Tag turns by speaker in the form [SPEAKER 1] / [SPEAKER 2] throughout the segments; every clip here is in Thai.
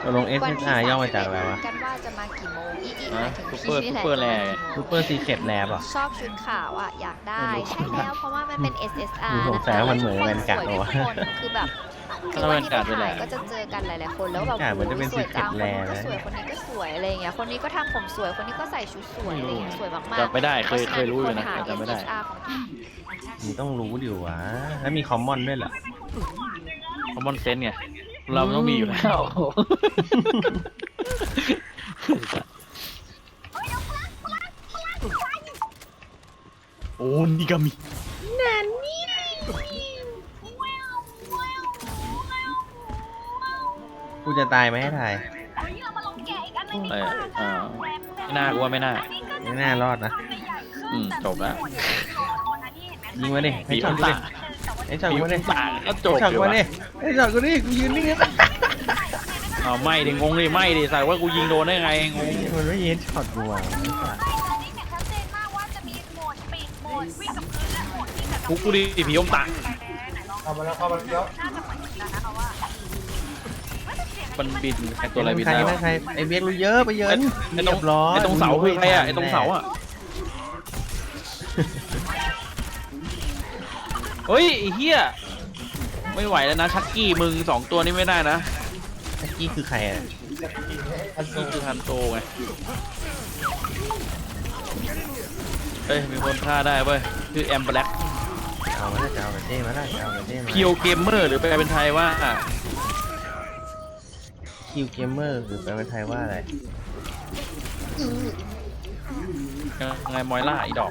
[SPEAKER 1] ตกลง SSR ย่อมาจากอะไรวะ
[SPEAKER 2] กันว่าจะมากี่โมงหมายถึง
[SPEAKER 3] ซูเปอร์
[SPEAKER 2] พี่
[SPEAKER 3] ซู
[SPEAKER 2] นี่แหละ
[SPEAKER 3] เปอร์แล
[SPEAKER 1] ซูเปอร์ซีเคร็ตแลบอ่ะ
[SPEAKER 2] ชอบชุดขาวอ่ะอยากได้ใช่แล้วเพราะว่ามันเป็น SSR
[SPEAKER 1] สง
[SPEAKER 2] นะ
[SPEAKER 1] สัย
[SPEAKER 2] คะ
[SPEAKER 1] ว่ามันเหมือนแวนการ์ด
[SPEAKER 2] สวย
[SPEAKER 1] วะ
[SPEAKER 2] ทุกคนคือแบบคือวันที่ไปถ่ายก็จะเจอกันหลายๆคนแล้วแบบ
[SPEAKER 1] เหมือนจะเป็น
[SPEAKER 2] สวยจัง
[SPEAKER 1] Secret
[SPEAKER 2] คนนี้ก็
[SPEAKER 1] Lair
[SPEAKER 2] สวยคนนี้ก็สวยอะไรอย่างเงี้ยคนนี้ก็ทำผมสวยคนนี้ก็ใส่ชุดสวยอะไรอย่างเงี้ยสวยมากๆ
[SPEAKER 3] จำไม่ได้เคยรู้อยู่นะ
[SPEAKER 2] พราฉ
[SPEAKER 3] จำไม่ได้
[SPEAKER 2] SSR ของ
[SPEAKER 1] มึงต้องรู้ดิวะแล้วมีคอมมอนด้วยเหรอ
[SPEAKER 3] คอมมอนเซนส์ไงเราต้องมีอยู่แล้วโอ้นี่ก็มี
[SPEAKER 1] กูจะตายไหมให้ทาย
[SPEAKER 3] เออไม่น่ากูว่าไม่น่า
[SPEAKER 1] ไม่น่ารอดนะ
[SPEAKER 3] จบแล้ว
[SPEAKER 1] ยิงมาดิให้ช็อตกูดิให้ช็อตกูดิ
[SPEAKER 3] ต่างก็จบ
[SPEAKER 1] ให้ช็อต
[SPEAKER 3] อยู่
[SPEAKER 1] กู
[SPEAKER 3] วะ
[SPEAKER 1] ดิให้ช็อตกูดิกูยืนนิ่ง
[SPEAKER 3] เอาไม่ดิงงดิไม่ดิใส่ว่ากูยิงโดนได้ไงงง
[SPEAKER 1] มันไม่ยิงช็อตกูอ่ะ
[SPEAKER 3] กูดิผีอมตะ
[SPEAKER 4] เข้ามาแล้ว
[SPEAKER 3] มันบินไอตัวอะไรบิน
[SPEAKER 1] ใคร
[SPEAKER 3] ได้
[SPEAKER 1] นะ
[SPEAKER 3] วะ
[SPEAKER 1] ใครไอเบียกรู้เยอะไปเยิน
[SPEAKER 3] ไอตรง
[SPEAKER 1] เรียบร้อย
[SPEAKER 3] ไอตรงเสาคือใครอะไอตรงเสาอะเฮ้ยไอ้เหี้ยไม่ไหวแล้วนะชักกี้มึง2ตัวนี้ไม่ได้นะ
[SPEAKER 1] ตะกี้คือใครอ่ะ
[SPEAKER 3] ชักกี้คือฮันโตไงเฮ้ยมีคนฆ่าได้เว้ยคือแอมแบล็ก
[SPEAKER 1] เอามาได้จะเอากระเจ้มาได้จะเอากระเจ้มา
[SPEAKER 3] เพียวเกมเมอร์หรือแปลเป็นไทยว่า
[SPEAKER 1] คิวเกมเมอร์หรือแปลเป็นไทยว่าอะไร
[SPEAKER 3] ยังไงมอยล่าอีดอก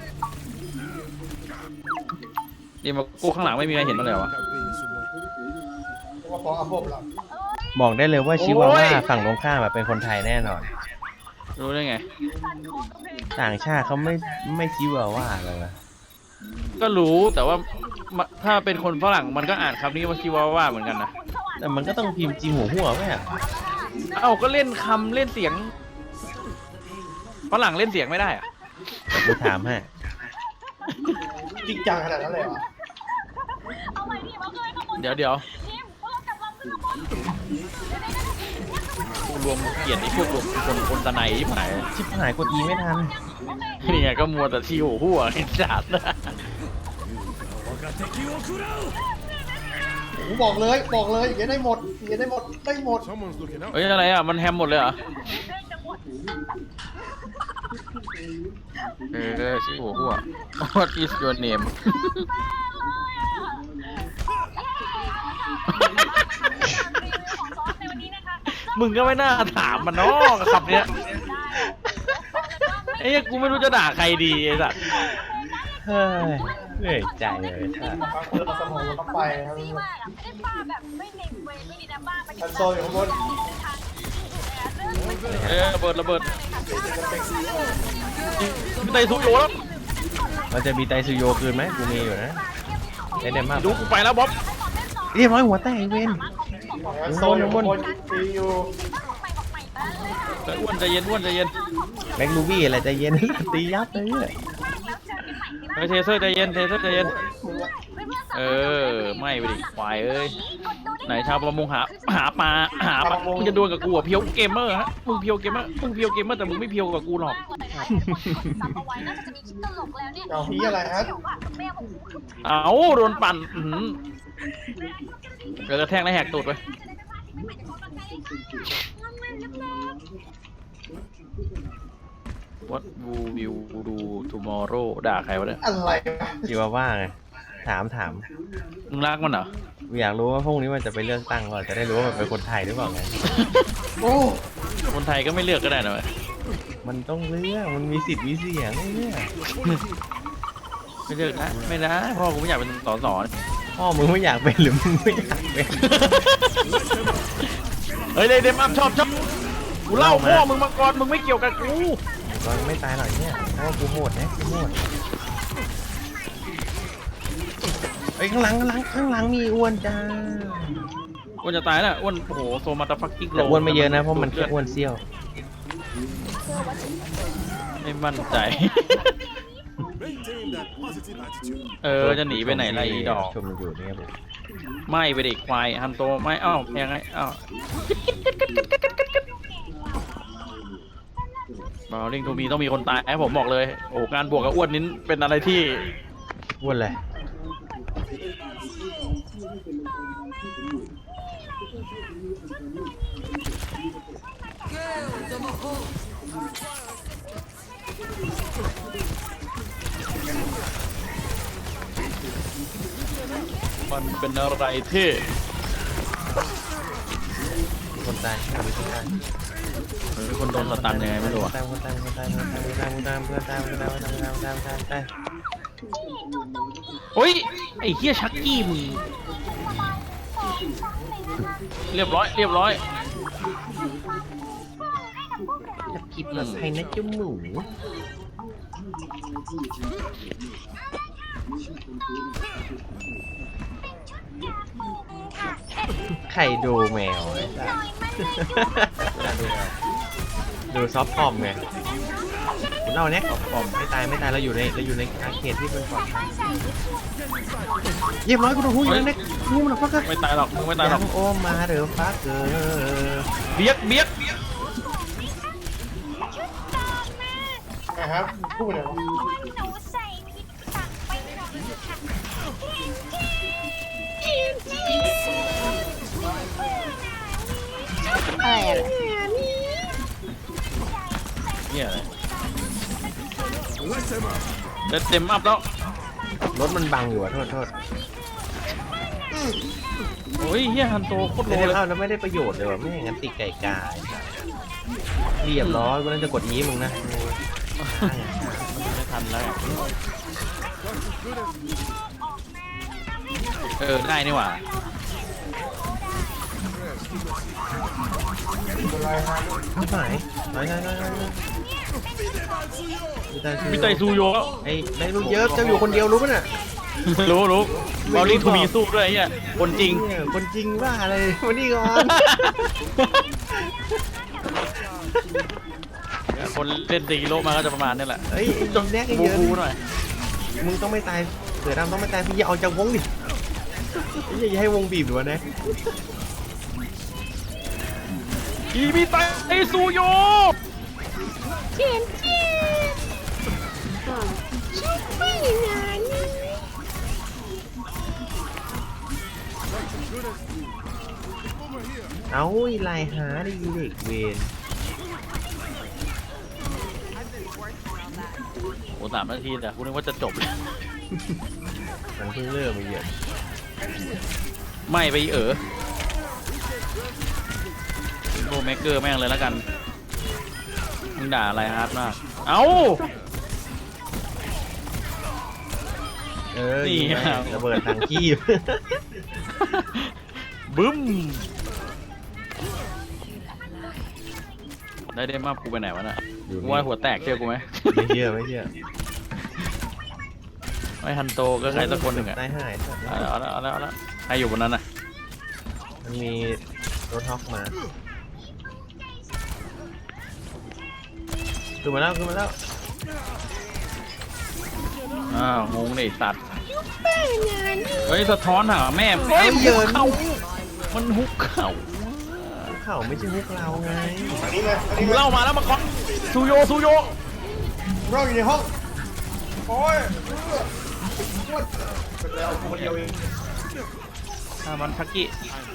[SPEAKER 3] ดีมากูข้างหลังไม่มีใครเห็นมันเลยเหรอวะ
[SPEAKER 4] ว่าพออัพบละ
[SPEAKER 1] บอกได้เลยว่าชิวา
[SPEAKER 3] โอ้
[SPEAKER 1] ว่าย ฝั่งตรงข้ามอะเป็นคนไทยแน่นอน
[SPEAKER 3] รู้ได้ไง
[SPEAKER 1] ต่างชาติเขาไม่ชิวาว่าเลยนะ
[SPEAKER 3] ก็รู้แต่ว่าถ้าเป็นคนฝรั่งมันก็อ่านคำนี้ว่าชิวาว่าเหมือนกันนะ
[SPEAKER 1] แต่มันก็ต้องพิมพ์จีหัวไหมอ่ะ
[SPEAKER 3] เอ้าก็เล่นคำเล่นเสียงฝรั่งเล่นเสียงไม่ได้อะ
[SPEAKER 1] แต่กูถามให้
[SPEAKER 4] จริงจังขนาดนั้นเลยเหรอ
[SPEAKER 3] เดี๋ยวกูรวมเกลียดไอ้พวกรวมคนตะไนที่หาย
[SPEAKER 1] ชิบหายกดอีไม่ทัน
[SPEAKER 3] นี่ไงก็มัวแต่ที่หัวไอ้จัด
[SPEAKER 4] ผมบอกเลยอย่างนี้ได้หมดได้หมด
[SPEAKER 3] เฮ้ยอะไรอ่ะมันแฮมหมดเลยเหรอชื่อหัว What is your name มึงก็ไม่น่าถามมันเนาะคำเนี้ยไอ้กูไม่รู้จะด่าใครดีไอ้สัส
[SPEAKER 1] เฮ้ยเหนื่อยใจเลยค่ะ
[SPEAKER 4] บางคนเราสมองเราต้องไปครับอันโซอยู่ข้างบน
[SPEAKER 3] ระเบิดมีไตซุโยแล้ว
[SPEAKER 1] เราจะมีไตซูโยคืนไหมกูมีอยู่นะได้เดมมาก
[SPEAKER 3] ดูกูไปแล้วบ๊อบ
[SPEAKER 1] เรียบร้อยหัวแตกไอ้เวน
[SPEAKER 4] อันโซอยู่ข้างบนตีอยู่
[SPEAKER 3] อ้วนใจเย็นอ้วนใจเย็น
[SPEAKER 1] แบ็กลูบี้อะไรใจเย็น ตียับเลยเนี่ย
[SPEAKER 3] เทเซอร์ใจเย็นเทเซอร์ใจเย็นไม่ไปดิควายเอ้ยไหนชาวประมงหาปลามึงจะดวลกับกูอ่ะเพียวเกมเมอร์ฮะมึงเพียวเกมเมอร์แต่มึงไม่เพียวกับกูหรอก
[SPEAKER 4] เอาพี่อะไรฮะ
[SPEAKER 3] เอาโดนปั่นเดี๋ยวกระแทกแล้วแหกตูดไปWhat will you do tomorrow ด่าใครวะเนี่ย
[SPEAKER 4] อะไร
[SPEAKER 1] ชิวาว่าไงถาม
[SPEAKER 3] มึงรักมันเหรอ
[SPEAKER 1] อยากรู้ว่าพรุ่งนี้มันจะไปเลือกตั้งก่อนจะได้รู้ว่ามันเป็นคนไทยหรือเปล่าไง
[SPEAKER 4] โอ้
[SPEAKER 3] คนไทยก็ไม่เลือกก็ได้นะเว้ย
[SPEAKER 1] มันต้องเลือกมันมีสิทธิ์มีเสียงเนี่ย
[SPEAKER 3] ไม่เลือกนะไม่นะพ่อกูไม่อยากเป็นสส
[SPEAKER 1] พ่อมึงไม่อยากเป็นหรือมึงไม่อยากเป็น
[SPEAKER 3] เฮ้ยเลยเดมอัพชอบกูเล่าพ่อมึงมาก่อนมึงไม่เกี่ยวกับกู
[SPEAKER 1] ตอนไม่ตายหรอกเนี่ยเพราะว่ากูโหดนะกูโหดเฮ้ยข้างหลังมีอ้วนจ้า
[SPEAKER 3] อ้วนจะตายแล้วอ้วนโอ้โหโซมาตาฟักกิ้งโล
[SPEAKER 1] แต่อ้วนไม่เยอะนะเพราะมันแค่อ้วนเซี่ยว
[SPEAKER 3] ไม่มั่นใจ จะหนีไปไหนล่ะอีดอก
[SPEAKER 1] ชมมันอยู่นี่ครับผม
[SPEAKER 3] ไม่ไปเด็กควายฮันโตไม่เอ้ายังไงเอ้าบอลลิงทูมีต้องมีคนตายผมบอกเลยโอ้การบวกกับอ้วนนี้เป็นอะไรที่
[SPEAKER 1] อ้วนเลย
[SPEAKER 3] มันเป็นอะไรที่
[SPEAKER 1] คนตายมีคนตาย
[SPEAKER 3] คนโดนสตันยังไงไม่รู้อะ
[SPEAKER 1] คนตายเพื่อนตาย
[SPEAKER 3] โอ้ยไอ้เหี้ยชักกี้มึงเรียบร้อย
[SPEAKER 1] จะกิบแบบไทยนะจุ่มหมูใครดูแมวไอ้สัสดูซอฟต์คอมไงเราเนี่ยคอมไม่ตายเราอยู่ในอาร์เคดที่เป็นก่อนเยี่ยมร้อยกูโดนหูอยู่นั่นเน็กหูมันฟักเกอร์
[SPEAKER 3] ไม่ตายหรอกมึงไม่ตายหรอก
[SPEAKER 1] โอมาเดี๋ยวฟักเกอร์
[SPEAKER 3] เบียก
[SPEAKER 4] นะครับพูดเนี่ยวะ
[SPEAKER 2] อะไรอะ
[SPEAKER 3] เนี่ยอะไรเต็มอัพแล้ว
[SPEAKER 1] รถมันบังอยู่อะโทษ
[SPEAKER 3] โอ้ยเฮียฮันโตโคตรโล
[SPEAKER 1] ไม่ได้
[SPEAKER 3] เลย
[SPEAKER 1] เข้าแล้วไม่ได้ประโยชน์เลยว่ะไม่อย่างนั้นติดไก่กายเรียบร้อยวันนั้นจะกดอีมึงนะ
[SPEAKER 3] ไม่ทันแล้วได้นี่หว่า
[SPEAKER 4] เป็นไรฮะ
[SPEAKER 1] ไม่หาย
[SPEAKER 3] มีไตซูโยแล้ว
[SPEAKER 1] ไอ้ไม่รู้เยอะเจ้าอยู่คนเดียวรู้ป่ะน่ะ
[SPEAKER 3] รู้บอลลิงทูมีสู้ด้วยไอ้เฮียคนจริง
[SPEAKER 1] เนี่ยคนจริงว่าอะไรวันนี้ก่อน
[SPEAKER 3] คนเล่นตีโลมาก็จะประมาณนี้แหละ
[SPEAKER 1] เฮ้ยไอ้แดกเยอะ
[SPEAKER 3] บูหน่อย
[SPEAKER 1] มึงต้องไม่ตายเสือดำต้องไม่ตายพี่อย่าออกจากวงดิอย่าให้วงบีบหรือวะนะ
[SPEAKER 3] อีมีไตซูโย
[SPEAKER 1] เอาไอ้ลายหาดิเด็กเวน
[SPEAKER 3] โอ้3 นาทีแต่คุณนึกว่าจะจบเลย
[SPEAKER 1] มันเพิ่งเริ่มมาเยอะ
[SPEAKER 3] ไม่ไปโรเมเกอร์แม่งเลยแล้วกันมึงด่าอะไรฮาร์ดมากเอ้า นี่
[SPEAKER 1] นี่ระเบิดทางขี้
[SPEAKER 3] บึ้มได้มากูไปไหนวะน่ะกูว่าหัวแตกเชื่อกูไหม
[SPEAKER 1] ไม่เชื่อ
[SPEAKER 3] ไม่ฮันโตก็ใครสักคนหนึ่งอะ
[SPEAKER 1] ตายหาย
[SPEAKER 3] เอาแล้วใครอยู่บนนั้นน่ะ
[SPEAKER 1] มันมีรถฮอกมาขึ้นมาแล้ว
[SPEAKER 3] อ้าวงงเลยสัตว์เฮ้ยสะท้อนหาแม่
[SPEAKER 1] เฮ้ย
[SPEAKER 3] มัน
[SPEAKER 1] เยิ
[SPEAKER 3] ฮุ
[SPEAKER 1] น
[SPEAKER 3] กเข่ามันฮุกเข่า
[SPEAKER 1] เขาไม่ใช่ฮุกเราไง
[SPEAKER 4] อันนี้เลยอัน
[SPEAKER 3] กู
[SPEAKER 4] นี้เลย
[SPEAKER 3] เล่ามาแล้วมาก่อนซูโย
[SPEAKER 4] เราอยู่ในห้องโอ้ยเป็นแล้วคนเดียวเอง
[SPEAKER 3] มันชักกี้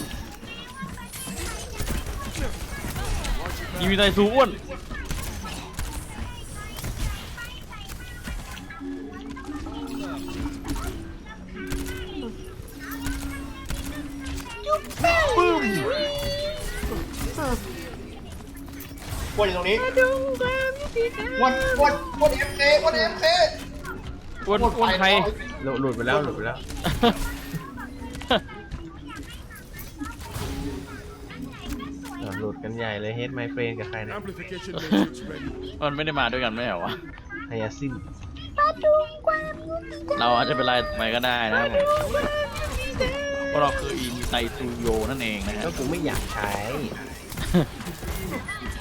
[SPEAKER 3] ยีมีไตซูอ้วนปึ้ม
[SPEAKER 4] วนอยู่ตรงนี้วนเอ็มเควนเอ็มเค
[SPEAKER 3] อ้วนใคร
[SPEAKER 1] หลุดไปแล้วหลุดกันใหญ่เลยเฮดไมเฟรนกับใครนะ
[SPEAKER 5] Amplification matrix ready.
[SPEAKER 3] มันไม่ได้มาด้วยกันไม่เหรอวะ
[SPEAKER 1] ไฮยาซิน
[SPEAKER 3] เราอาจจะเป็นไรไปก็ได้นะครับผมเพราะเราคืออินไตซูโยนั่นเองนะฮะ
[SPEAKER 1] ก็กูไม่อยากใช้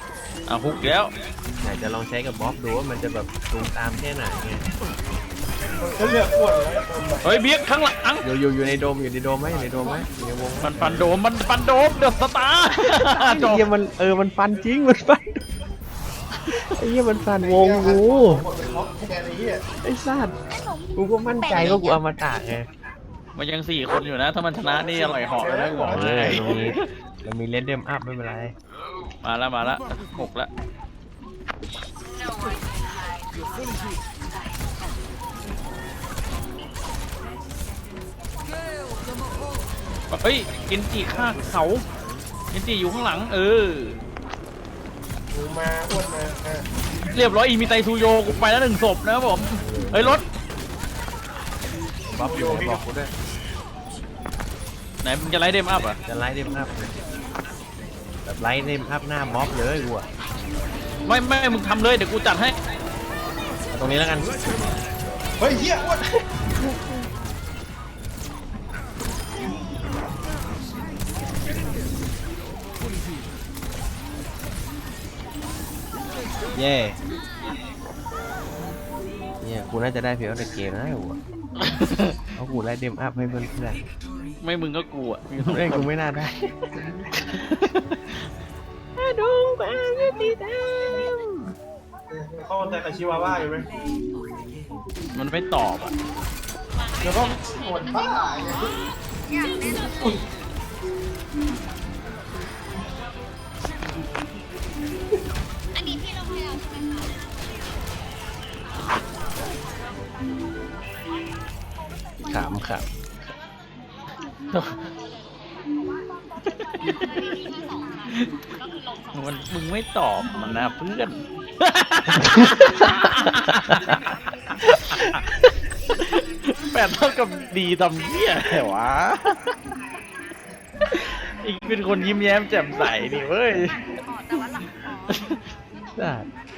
[SPEAKER 3] ฮุกแล้ว
[SPEAKER 1] อยากจะลองใช้กับบ๊อบดูว่ามันจะแบบตูมตามแค่ไหนไง
[SPEAKER 4] จะเลือกอ้วนเลย
[SPEAKER 3] เฮ้ยเบียกข้างหลัง
[SPEAKER 1] อยู่ในโดมไหมอยู่ในโดมไหมอยู่ในวงไหม
[SPEAKER 3] มันฟันโดมเดือดสตาร์
[SPEAKER 1] ไอ้เหี้ยมันฟันจริงมันฟันไอ้เหี้ยมันฟันวงกู
[SPEAKER 4] หมดเป็นล็อกแกไอ้เหี้ย
[SPEAKER 1] ไอ้สัตว์กูก็มั่นใจว่ากูเอามาตากไง
[SPEAKER 3] มันยัง4 คนอยู่นะ ถ้ามันชนะนี่อร่อยเหาะเลยนะกูบอกเลย
[SPEAKER 1] เรามีเลดเดมอัพไม่เป็นไร
[SPEAKER 3] มาแล้ว6แล้วเฮ้ยกินจีฆ่าเขากินจีอยู่ข้างหลัง
[SPEAKER 4] กูมาอ้วนมา
[SPEAKER 3] เรียบร้อยอีมีไตซูโยกูไปแล้ว1 ศพนะครับผมเฮ้ยรถ
[SPEAKER 1] บ๊อบอยู่บอกกูด้วย
[SPEAKER 3] ไหนมึงจะไล่เดมอัพอ่ะ
[SPEAKER 1] จะไลท์เดมอัพแบบไลท์เดมอัพหน้าบ๊อบเลยกูอะ
[SPEAKER 3] ไม่มึงทำเลยเดี๋ยวกูจัดให้
[SPEAKER 1] เอาตรงนี้แล้วกัน
[SPEAKER 4] เฮ้ยเหี้ยอ้วน
[SPEAKER 1] เย่เนี่ยกูน่าจะได้เพียงแต่เกมนะกูเพราะกูไลท์เดมอัพให้เพื่อน
[SPEAKER 3] ไม่มึงก็กูอ่ะ
[SPEAKER 1] ๆเอ้ยกูไม่น่าได้ดูแบงค์ตีด
[SPEAKER 4] เข้าแต่กับชิวาว่าอยู่ไหม
[SPEAKER 3] มันไม่ตอบอ่ะ
[SPEAKER 4] แล้วก็หมดบ้าไง
[SPEAKER 1] ขำครับ
[SPEAKER 3] มึงไม่ตอบมันนะเพื่อน 8 เท่ากับดีทำเหี้ยอะไรวะ อีกเป็นคนยิ้มแย้มแจ่มใสนี่เว้ย
[SPEAKER 1] ได้